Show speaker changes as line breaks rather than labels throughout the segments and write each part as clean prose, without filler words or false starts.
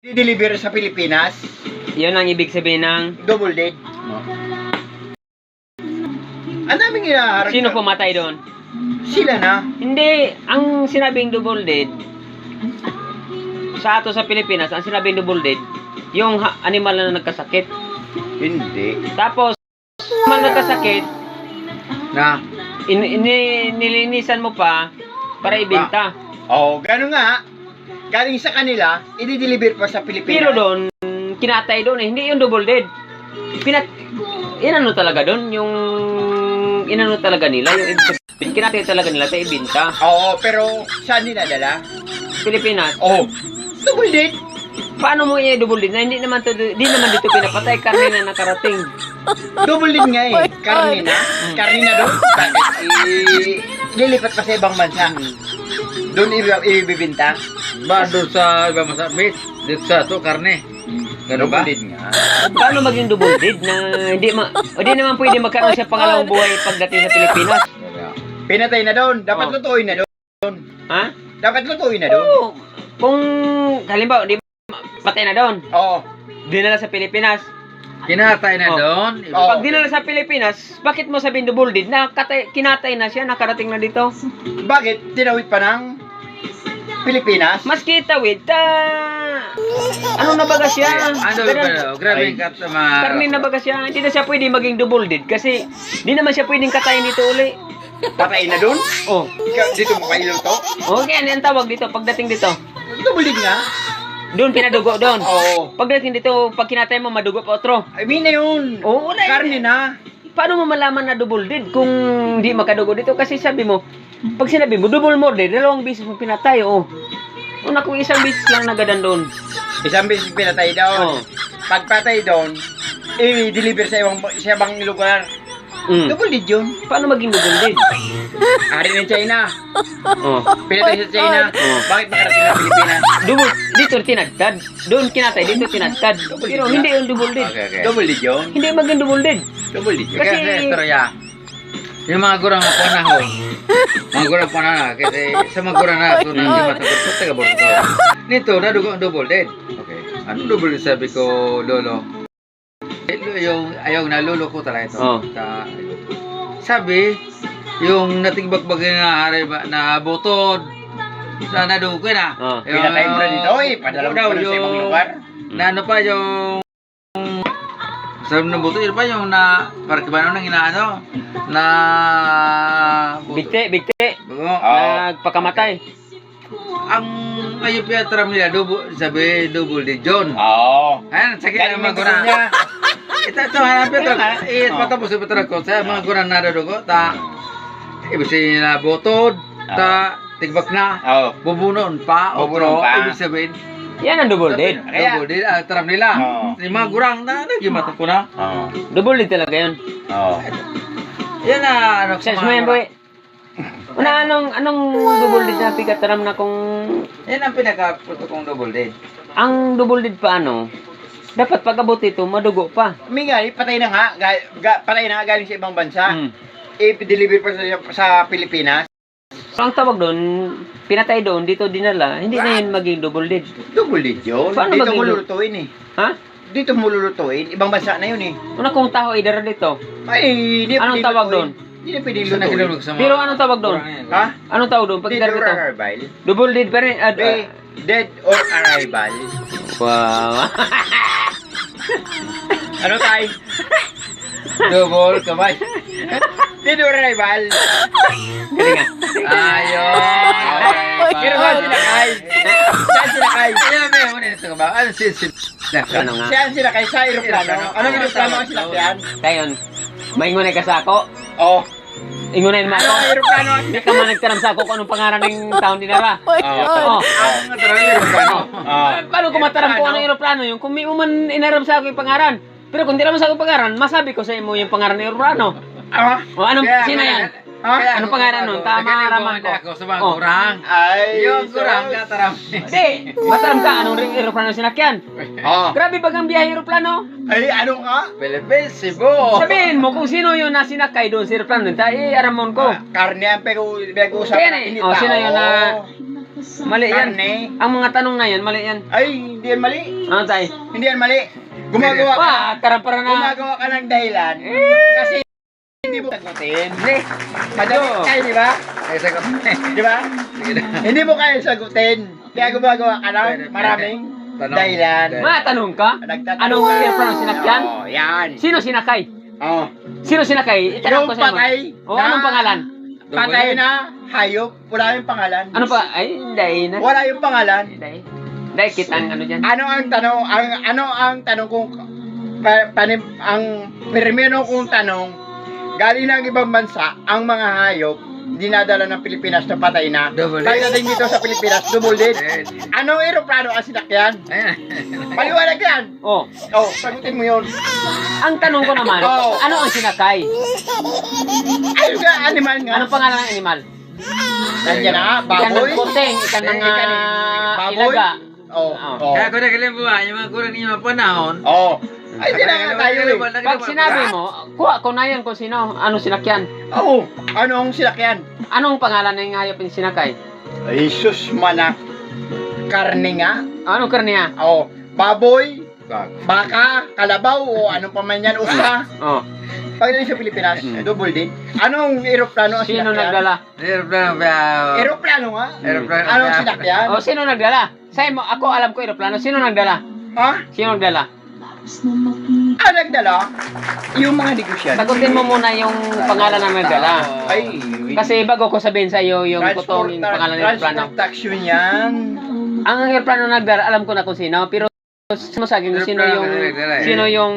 I-deliver sa Pilipinas.
Yun ang ibig sabihin ng...
Double dead. Ang daming inaharap.
Sino pumatay doon?
Sila na.
Hindi, ang sinabing double dead, sa ato sa Pilipinas, ang sinabing double dead, yung animal na nagkasakit.
Hindi.
Tapos, animal na nagkasakit,
Na.
nilinisan mo pa para ibenta.
Oo, gano'n nga. Galing sa kanila, i-deliver pa sa Pilipinas.
Pero doon, kinatay doon eh. Hindi yung double dead. Inano talaga doon, yung inano talaga nila, yung kinatay talaga nila sa ibenta.
Oo, pero saan dinadala?
Pilipinas.
Oo. Double dead.
Paano mo i-double dead na hindi naman dito pinapatay, karne na nakarating.
Double dead nga eh. Karne na. Karne na doon. Lilipat pa sa ibang bansa. Doon ibibinta.
Ba doon sa iba masa meat, dito sa to karne. Ganun ba?
Double dead nga.
Paano maging double dead na hindi naman pwede magkaroon siya pangalawang buhay pagdating sa Pilipinas?
Pinatay na doon. Dapat
Oo.
lutuin na doon.
Ha?
Dapat lutuin na doon.
Oo. Kung halimbawa, di patay na doon,
Oo.
dinala sa Pilipinas.
Kinatay na
Oh.
doon.
Oh.
Pag dinala sa Pilipinas, bakit mo sabihin double dead? Kinatay na siya, nakarating na dito.
Bakit? Tinawid pa ng Pilipinas?
Mas kitawid, ano na baga siya?
Ano ba? Grabe
Ay.
ka tama.
Karne na baga siya. Hindi na siya pwede maging double dead kasi di naman siya pwedeng katayin dito uli.
Patay na doon?
Oh.
Ikaw, dito mo kayo to?
Okay, ano yung tawag dito pagdating dito?
Double dead nga.
Doon pinadugo doon.
Oo.
Pagdating dito, pag kinatay mo, madugo pa otro.
I mean na yun.
Oo, wala.
Karne na.
Paano mo malaman na double dead kung di makadugo dito? Kasi sabi mo, pag sinabi mo, double murder, dalawang beses mo pinatay, oh. Una kung isang beses lang nagadan doon.
Isang beses pinatay doon.
Oh.
Pagpatay doon, i-deliver sa ibang lugar.
Mm.
Double dead yun.
Paano maging double dead?
Ari ng China.
Oh.
Pinatay sa China.
Oh.
Bakit makarating na Pilipinas?
Double, dito tinagtad. Doon kinatay, dito tinagtad. Pero hindi yung double dead.
Okay.
Double dead yun.
Hindi maging double dead.
Double dead yun.
Kasi
Kasi-
istorya. Yung mga gurang na panahon. Mga gurang panahon. Kasi sa mga gurang na ito na hindi matagot ko, taga Bordo. Nito, nadugo ang double dead. Okay. Anong double dead sabi ko, Lolo? Yung ayaw na lolo ko talaga ito.
Oh.
Sabi, yung natigbakbag na hari ba na butod sa nadugo na.
Oh.
Pinatay mo na dito eh. Padala mo
daw,
pa sa ibang lugar.
Na ano pa yung sabi ng buto, yun pa yung na parang kibano nang inaano na
Bigte.
Oo.
Nagpakamatay.
Ang ayun pa tram nila double di John.
Oo.
Ayan, sakit
Galing
ang mga
ng
guna.
niya.
Ito hanapin ito.
Oo.
Patapos ito ko sa mga guna na dugo ta. Ibig sabihin na butod ta tigbak na.
Oo.
Bubunon pa
Bubunon
otro.
pa.
Ibig sabihin
Yan ang double dead.
Kaya-
double di tram nila.
Oo.
Yung mga gurang na nagimata ko na.
Oo.
Double dead talaga yun.
Oo.
Yan na ano
Success mo yan, boy. Una, anong double dead na pigataram na kung...
Yan ang pinaka-puto kong double dead.
Ang double dead pa dapat pag-abot ito, madugo pa.
May nga, patay na nga. Patay na nga galing sa ibang bansa.
Mm.
I-deliver pa sa Pilipinas.
So, ang tawag doon, pinatay doon, dito dinala, hindi na yun maging double dead.
Double dead yun.
Paano
Dito
maging
mo
double-
lulutuin eh.
Ha?
Dito mo lulutuin. Ibang bansa na yun eh.
Una kung taho idara dito.
Ay, hindi
Anong
pwede
tawag
lutuin.
doon?
Hindi na pwede
Gusto na
lutuin.
kinulog sa mga
Pero anong tawag doon?
gurang yan.
Ha?
Anong tawag doon? Pag
Dead
idara
or
dito?
arrival?
Double dead pa rin.
Dead or arrival?
Wow.
Ano tayo?
Double kamay.
Dead or arrival?
Galing nga.
Ayun.
Pero saan sila kay? Saan sila kay?
Kaya may una nito ba? Ano si
Ano nga?
Saan sila kay? Sa aeroplano? Anong aeroplano ang sinakyan?
Kayon, maingunay ka sa ako.
Oh.
Ingunayin mo ako.
Anong aeroplano ang
Hindi ka man nagtaram sa ako kung anong pangalan ng taon dinara.
Oo.
Oh.
Ang natarang aeroplano.
Paano ko mataram kung anong aeroplano yung kung may uman inaram sa ako yung pangaran. Pero kung di naman sa ako yung pangaran, masabi ko sa imo yung pangaran ng aeroplano.
Ah?
O anong,
Kaya-
sino yan?
Ha?
Anong pangalan nun? Tama, raman ko.
Ako sa mga
Oh.
gurang.
Ay,
Yung gurang
sus.
kataram.
Hindi, mataram ka anong aeroplano sinakyan.
Oh.
Grabe bagang biyahe aeroplano.
Ay, ano ka?
Philippines, Cebu.
Sabihin mo kung sino yun na sinakay doon sa aeroplano. Tayo, aramon ko.
Karne ang pinag-uusapan
Kaya na
natin
eh.
ni
Oh, sino
tao.
yun na- Mali yan.
karne.
Ang mga tanong na yan, mali yan.
Ay, hindi yan mali.
Ano tayo?
Hindi yan mali. Gumagawa ka.
Karampara na.
Gumagawa ka ng dahilan. Kasi hindi mo sagutin.
Hindi.
Madali tayo, di ba?
Ay, sagot.
Di ba? Hindi mo kaya sagutin. Kaya gumagawa ka ng maraming
Tanong.
dahilan.
Matanong ka?
Nagtatanong.
Anong airplane sinakyan?
Oo, yan.
Sino sinakay?
Oh.
Sino sinakay? Itanong
Yung
ko sa mo.
patay
O, anong pangalan?
Patay na hayop. Wala yung pangalan.
Ano pa? Ay, hindi na.
Wala yung pangalan.
Hindi. Hindi, kita ang ano dyan.
Ano ang tanong? Ano ang tanong kung ang primero kong tanong, galing ng ibang bansa, ang mga hayop dinadala ng Pilipinas na patay na.
Double dead.
Pagdating dito sa Pilipinas, double dead.
Dead.
Anong eroplano ang sinakyan?
Ayan.
Paliwanag yan.
Oh,
Oh, sagutin mo yun.
ang tanong ko naman,
Oh.
ano ang sinakay?
Ayun nga, animal nga.
Anong pangalan ng animal?
Nandiyan na nga,
Ikan
baboy.
ng puting, ikan ng
Baboy.
ilaga.
Oh,
Oh.
oh.
Kaya kung nakalim mo yung mga kurang niyo mga panahon.
Oh. Ay, di na nga tayo eh.
Pag sinabi mo, kuha ko na yan kung sino, anong sinakyan.
Oh, anong sinakyan?
Anong pangalan ng hayop yung sinakay?
Ay, sus manak. Karne nga.
Anong karniya?
Oh, baboy, baka, kalabaw, o anong pa man yan, usa.
Oh,
Pagdating sa Pilipinas, double din. Anong eroplano ang
sino
sinakyan?
nagdala?
Aeroplano ba?
Eroplano nga.
Aeroplano.
Anong sinakyan?
Oh, sino nagdala? Sa'yo mo, ako alam ko aeroplano. Sino nagdala?
Ha?
Sino nagdala?
Nagdala? Yung mga negosyante.
Sagutin mo muna yung pangalan ng nagdala.
Ay,
Kasi bago ko sabihin sa iyo yung totoong pangalan ng aeroplano.
transportation yan.
Ang aeroplano nagdala, alam ko na kung sino, pero mo sa akin kung sino yung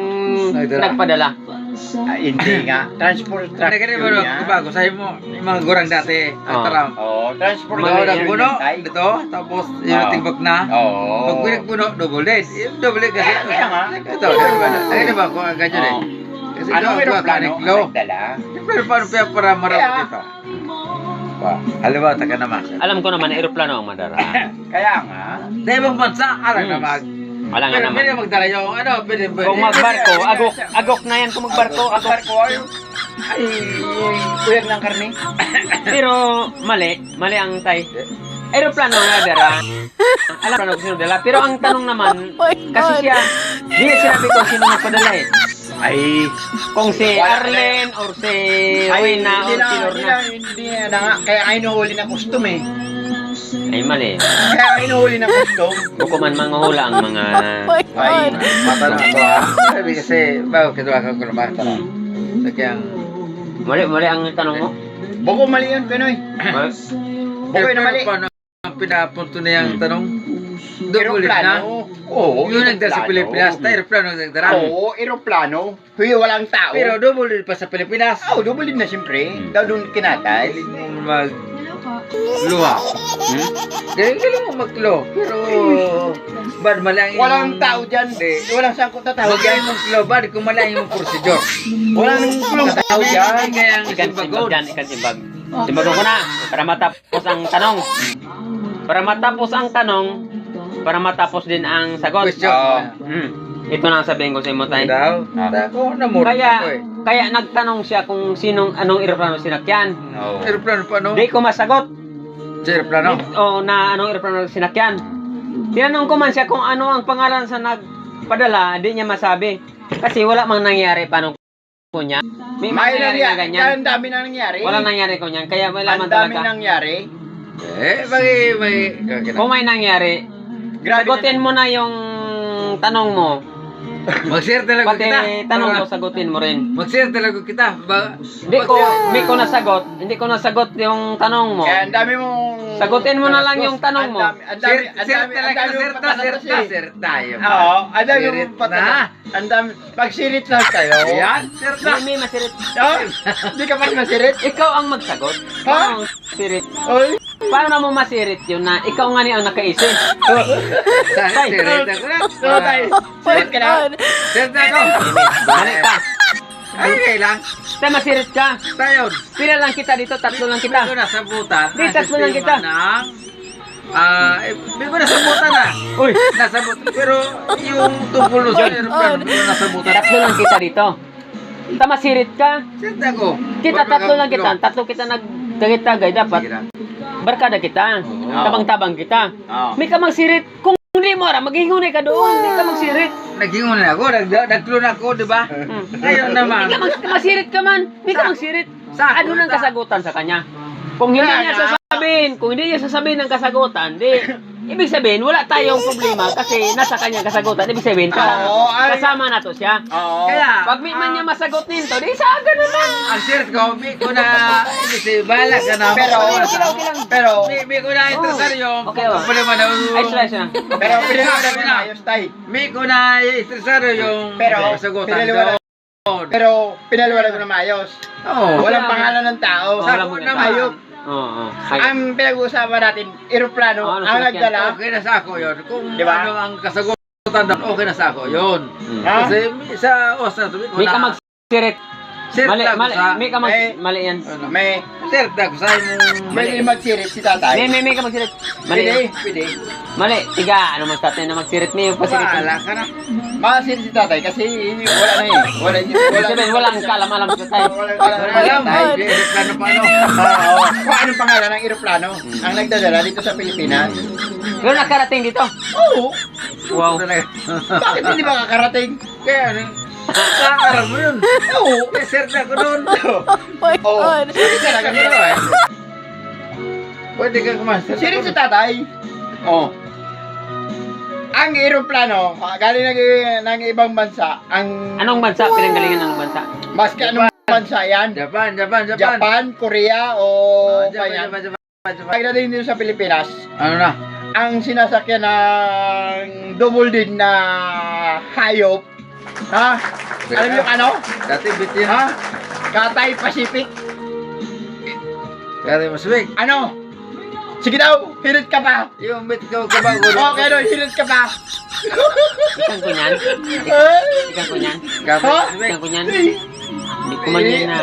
nagpadala.
Hindi nga. Transportation
Nagkari mo
yan.
bago sa'yo mo yung mga gurang dati.
Oh.
Taram.
Oh,
Mga
transportation
gurang puno
yan.
dito, tapos yung
Oh.
tigbak na.
Oo.
Pag pinagpuno, double dead. Yung double dead kasi.
Kaya nga.
Ito, di ba? Kung ang ganyan eh.
Oh.
Kasi
Anong
ito,
eroplano
kanik
ang
low.
nagdala?
Pero paano kaya para marami
Kaya-
dito? Halimbawa, taga naman.
Alam ko naman aeroplano ang madara.
Kaya nga.
Dahil ibang bansa, alam
Hmm.
naman.
Wala nga
Pero
naman.
pwede magdala yung ano, pwede.
Kung magbarko, agok na yan kung magbarko,
Ang
agok.
barko ay kuyag ng karne.
Pero mali ang tay. Aeroplano nga dara. Alam ko kung sino dala. Pero ang tanong naman, kasi siya, di niya sinabi kung sino nagpadala eh.
Ay,
Kung si
Wala-
Arlen or si
ay,
Wina or si Lorna.
hindi na nga. Kaya ay nuhuli ng custom eh.
Ay mali.
Kaya ay nuhuli ng custom.
Buko man manghula ang mga...
Ay,
Matanong ko ha. Sabi kasi, bago kituwa ka ko naman. So kaya,
Mali ang tanong mo.
Boko mali yun, Pinoy. Boko na mali.
paano ang pinapunto na yung tanong? Double na.
Eroplano. Oo,
Yung nagdala sa Pilipinas, tayo aeroplano nagdala.
Oo, eroplano. Huy, walang tao.
Pero double pa sa Pilipinas.
Oo, double din na siyempre. Daw doon kinatay.
Galing mo magluha. Galing mo maglo. Pero, bad mali ang iyong-
Walang tao dyan. Walang sangkot na tao
Huwag
dyan.
kayong maglo, bad kung mali ang iyong procedure.
Walang kulong tao dyan.
Kaya ang
Ikan
simbagod.
simbag dyan, ikan simbag. Simbagon ko na, para matapos ang tanong. Para matapos ang tanong, para matapos din ang sagot.
Question.
Ito na ang sabihin ko sa imo tayo.
Daw. Ako, namura ako
Kaya,
eh.
kaya nagtanong siya kung anong eroplano sinakyan.
Oo.
Aeroplano pa, no?
Di ko masagot.
Sa aeroplano?
O na anong eroplano sinakyan. Tinanong ko man siya kung ano ang pangalan sa nagpadala, di niya masabi. Kasi wala mang nangyari paano ko niya. May
May
nangyari na
nangyari.
ganyan.
Ang dami na nangyari.
Wala nangyari ko niyan. Kaya wala man
Ang dami
talaga.
nangyari.
May...
Kung may nangyari,
Grabe
sagutin mo na yung tanong mo.
Mag-share talaga
Pati
kita.
tanong mo, sagutin mo rin.
Mag-share talaga kita.
Hindi ko nasagot yung tanong mo.
Kaya ang dami mong...
Sagutin mo na lang yung tanong mo.
Ang dami, ang
Share
dami, ang
talaga.
dami
Share
mong
ta,
patatas eh.
share tayo.
Oo, ang dami
Sirit
mong patatas.
na.
Ang dami, pag sirit lang kayo.
Yan, share ta.
May masirit.
Oh, hindi ka pa masirit?
Ikaw ang magsagot.
Ha?
Paano masirit?
Oy,
Paano mo masirit yun na ikaw nga ni ang nakaisip?
Share ta ko na.
so tayo. Sirit ka na.
Share ta ko.
Balik ka.
Ay, kailang.
Tayo masirit ka.
Tayo.
Pila lang kita dito, tatlo lang kita.
Ito nasa butan.
Di, tatlo lang kita.
Hindi ko nasa butan na.
Uy,
Nasa butan. Pero yung tungkol sa aeroplano, nasa butan.
tatlo lang kita dito. Masirit ka.
Share ta ko.
Kita tatlo lang kita. Tatlo kita nagtagay-tagay dapat.
Sige na.
barkada kita. Tabang-tabang kita.
Oo.
May ka magsirit. Kung hindi mo ara, maghingunay ka doon. Hindi ka magsirit.
Naghingon na ako, nagklon ako, di ba? Ngayon naman.
Hindi ka magsirit ka man. Hindi ka magsirit. Ano nang kasagutan sa kanya? Kung hindi niya sasabihin ng kasagutan, di, ibig sabihin, wala tayong problema kasi nasa kanya kasagutan. Ibig sabihin, kasama na to siya.
Oo.
Kaya,
Pag may man niya masagot nito, di sa ganun lang.
ang sirit ko, may ko na, kasi bahala ka na. May ko na interesar yung,
Okay, oh.
problema na.
Ay, slice na.
Pero pinaliwanag ko na ayos, tay.
May ko na interesar yung
Pero,
kasagutan
pinaliwanag
doon.
Pero pinaliwanag ko na maayos.
Oo.
Walang pangalan ng tao.
Wala
Sakot
mo
naman.
Hayop.
Oo.
Ang pinag-uusapan natin, eroplano,
Ano,
ang
sasakyan?
nagdala.
Okay na sa ako yun. Kung
Di ba?
ano ang kasagutan doon, okay na sa ako yun.
Ha?
Kasi sa Osna,
May ka magsirit. Mali,
Sirit ako sa...
may ka mali yan.
May
Sirit ako sa imong...
may magsirit si tatay.
May ka magsirit. Mali.
Pwede.
Mali. Tiga, ano mas tatay na magsirit niyo pa sirit.
Bahala ka na.
Makasirit si tatay kasi wala na eh.
Ibig sabihin, walang kalam-alam sa tayo.
Alam, may plano pa ano.
Oo. Kung anong pangalan ng eroplano ang nagdadala dito sa Pilipinas.
Pero nakarating dito.
Oo.
Wow.
Talaga.
Bakit hindi makakarating?
Kaya ano, kakaram mo yun.
Oo.
May sirit ako doon.
Oo. Sirit talaga nila eh.
Pwede ka kumaster.
Sirit si tatay. Oo. Ang eroplano, galing ng ibang bansa, ang
Anong bansa? Pinanggalingan ng bansa?
maski anong bansa yan,
Japan.
Japan, Korea o
Japan.
kaya, pagdating dito sa Pilipinas,
Ano na?
ang sinasakyan ng double din na hayop, ha? Alam niyo ano?
Dati bitin.
Ha? Cathay Pacific.
Dati maswig.
Ano? Sige daw, hirit ka pa.
Yung bit ko kabago.
Okay daw, hirit ka pa.
Ikan ko niyan. Ikan ko niyan.
Dati
Ha?
maswig.
Ikan ko niyan. Hindi ko man yan na.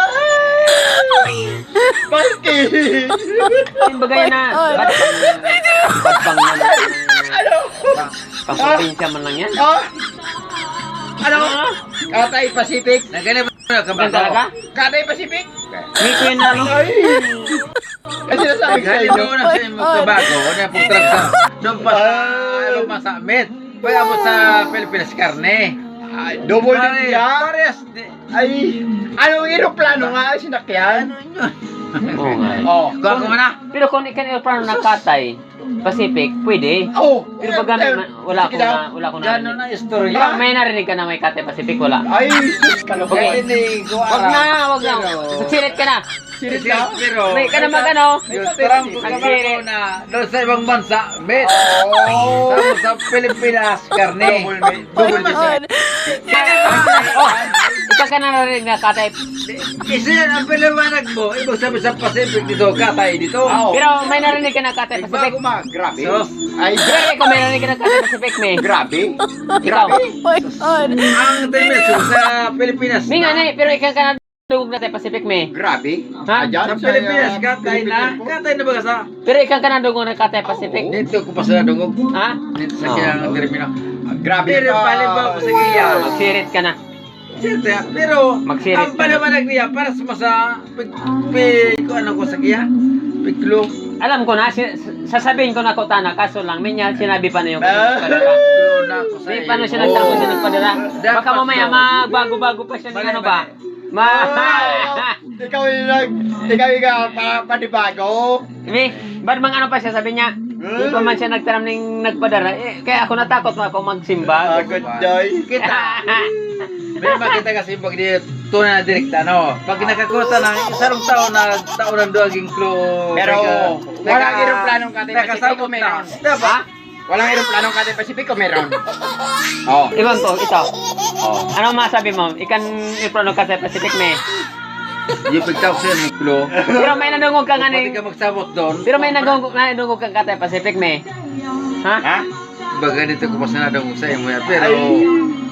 Bakit?
Yung bagay na. Badbang yan.
Ano?
Pang-probinsya man lang yan.
Ha? Ano? Cathay Pacific?
Nagkana ba na
Yan
kabago?
talaga?
Cathay Pacific?
May ko yan na ano?
Ay! Kasi nasabi ko sa
Nagkana
inyo.
mo na sa imong kabago. Na putrak sa... Doon pa sa... Ano pa sa Met. Pwede mo sa Pilipinas karne.
Ay, double din yan.
Pares.
Ay, anong eroplano nga ang sinakyan?
Ano yun?
Oo nga.
Oh.
Kuha ko na.
Pero kung ikan aeroplano ng Cathay Pacific, pwede.
Oh,
Pero pag gamit, wala ko
Sige daw.
na, wala ko
Gano'n
na.
na istorya.
Diba, may narinig ka na may Cathay Pacific, wala.
Ay, sus, kaloko.
Okay.
Hindi ko
Wag
alam.
na, wag na.
Pero-
Sirit ka na.
Serious na?
Pero...
May ka na magano.
Yung tarang ko
Ang
kabago
sirit.
na doon sa ibang bansa. Met.
Oh.
Tapos sa Pilipinas karne.
Double din yan.
Oh, ikaw ka na narinig na Cathay.
Isa yan ang paliwanag mo. Ibig sabihin sa Pacific dito, Cathay dito.
Oo.
Pero may narinig ka na Cathay Pacific.
Bago ma, grabe.
Sos.
Ay,
Pero ikaw may narinig ka na Cathay Pacific, may.
grabe.
Ikaw.
Ang dimension sa Pilipinas.
May nga na eh, pero ikaw ka na dugog na Cathay Pacific, may.
Grabe.
Ha?
Ayan,
Sa Pilipinas, Cathay na.
Philippine po.
Cathay na ba ka sa?
Pero ikaw ka na dugog na Cathay Pacific.
Dito ko pa sa dungog.
Ha?
Dito sa
Oo.
kiyang terminal.
Grabe
Pero
ka.
palibaw ko sa kaya.
Magsirit ka na.
Siyempre, pero
Magsirit
ang
ka na.
paliwanag niya para sa masa kung ano ko sa kaya. Piklo.
Alam ko na, sasabihin ko na ko tana, kaso lang, may niya sinabi pa na yung
Ah.
padala.
Piklo na ako sa
Hindi pa na siya nagtanong siya nagpadala. Baka mamaya magbago-bago pa siya ng ano ba?
Ikaw yung panibago.
May, ba't mang ano pa siya, sabi niya, hindi pa man siya nagtaram ng nagpadala. Eh, kaya ako natakot mo ako magsimba.
Agad day.
Kita. May makita kasi pag di tunay na direkta, no? Pag nakakuta ng isang taon ng duwaging clue.
Pero, walang eroplanong Cathay Pacific
Nakasabot
o meron?
na. Diba?
Walang eroplanong Cathay Pacific o meron? Oh.
Ibang to, ito.
Oh.
Ano masabi mo? Ikan iprono ka sa Pacific, may.
Yung pagtawag sa'yo ng clue.
Pero may nanungog ka nga
Pwede
ni...
ka magsabot doon.
Pero may nanungog kang Cathay Pacific, may. Ha?
Ha?
Baga dito ko pa sinadong sa iyo yan. Pero,
Ay.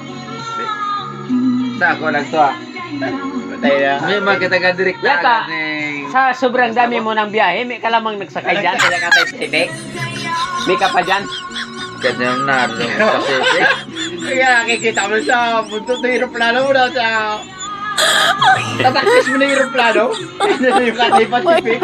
sa ako lang to ah.
Patay na.
May makita ka direkta
Yaka.
agad ng...
Sa sobrang dami mo ng biyahe, may ka lamang nagsakay dyan.
Kaya Cathay Pacific?
May ka pa dyan.
Kanyang naroon Pacific.
Kaya nakikita mo sa mundo ng eroplano mo na sa Tatakis mo na yung aeroplano. Ano yung Cathay Pacific?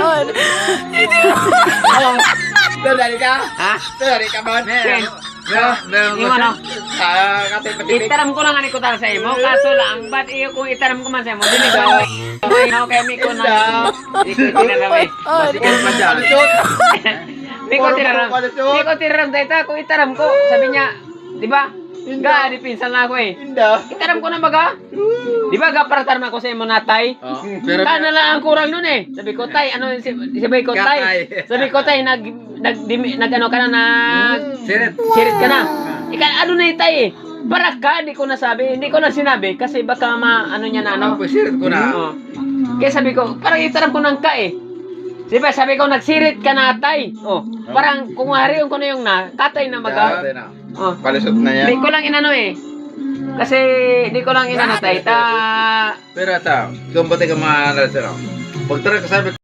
Oo. Dadali ka?
Ha?
Dadali ka ba?
Ken,
Meron
yung ano,
Cathay Pacific.
itaram ko lang ani ko tara sa imo, kaso lang, ba't iyo kung itaram ko man sa imo, dili ko ano kay mi ko na, iko tinaram eh.
Basikan pa dyan.
Mi ko tinaram dayta, kung itaram ko, sabi niya, di ba? Ga, di pinsan na ako eh.
Inda.
Itaram ko na baga? Di ba ga para tarma ko sa imo natay?
Oh, pero
Kana lang ang kurang nun eh. Sabi ko, tay, ano, sabi ko, tay.
Gatay.
Sabi ko, tay, nag ano ka na,
Sirit.
sirit ka na. Ika, ano na yung tay eh. Para ka, hindi ko nasabi, hindi ko na sinabi, kasi baka ano niya na, ano.
Ano? Sirit ko na.
Oo. Kaya sabi ko, parang itaram ko ng ka eh. Diba, sabi ko, nagsirit ka na, tay. Oh, parang, kung hariyon ko na yung na, katay na maga.
Gatay na.
Oh.
Palisot na yan.
Hindi ko lang inano eh. Kasi, hindi ko lang inano, tay.
Pero ata, kung pati ka maaaral sila. Pag tara ka sabi